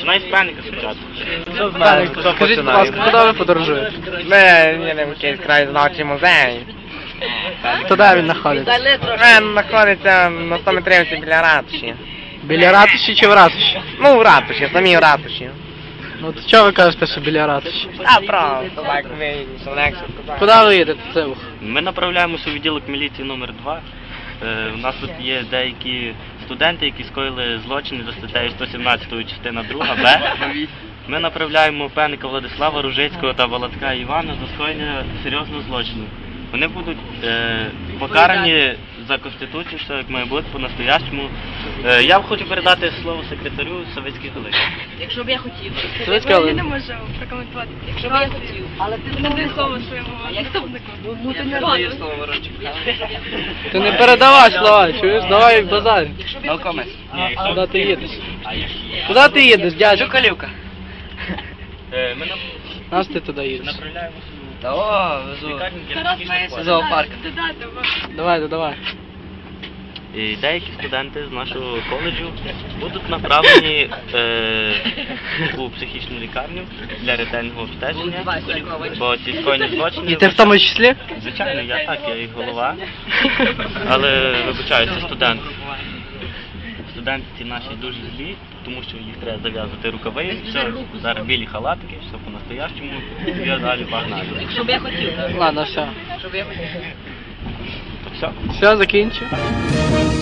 Починай з пеника спочатку. Що знаєш, хто Скажіть, будь ласка, куди ви подорожуєте? Ми їдемо в якийсь краєзнавчий музей. То де він знаходиться? Він знаходиться на 100 метрівці біля ратуші. Біля ратуші чи в ратуші? Ну, в ратуші, самі в ратуші. Ну, то чого ви кажете, що біля ратуші? А, правда, так вийшло, легше сказати. Куди ви їдете, Цивух? Ми направляємося у відділок міліції номер 2. У нас тут є деякі студенти, які скоїли злочини за статтею 117 частина 2 Б. Ми направляємо Пеника Владислава, Ружицького та Володка Івана за скоєння серйозного злочину. Вони будуть покарані за Конституцією, все як має бути, по-настоящому. Я хочу передати слово секретарю Савицької Галини. Якщо б я хотів. Савицька Я Галина. не можу прокоментувати. Якщо б я хотів. Але ти не даєш слово своєму заступнику. Ну ти не даєш слово, Ворончик. Ти не передавай слова, чуєш? Давай базар. Науковець. Куди ти їдеш? Куди ти їдеш, дядя? Жукалівка. Ми Нас ти туди їдеш. направляємося Та о, у везу. лікарню для Тарас психічних має хворих. Зоопарк. додати. Давай, давай. І деякі студенти з нашого коледжу будуть направлені у психічну лікарню для ретельного обстеження, бо ці скоєні злочини... І ти в тому числі? Звичайно, я їх голова, але вибачаюся, студент. Студенти ці наші дуже злі, тому що їх треба зав'язати рукави, все, зараз білі халатики, все по-настоящему, я далі погнали. Якщо б я хотів. Ладно, все. Щоб я хотів. Все. Все, закінчив.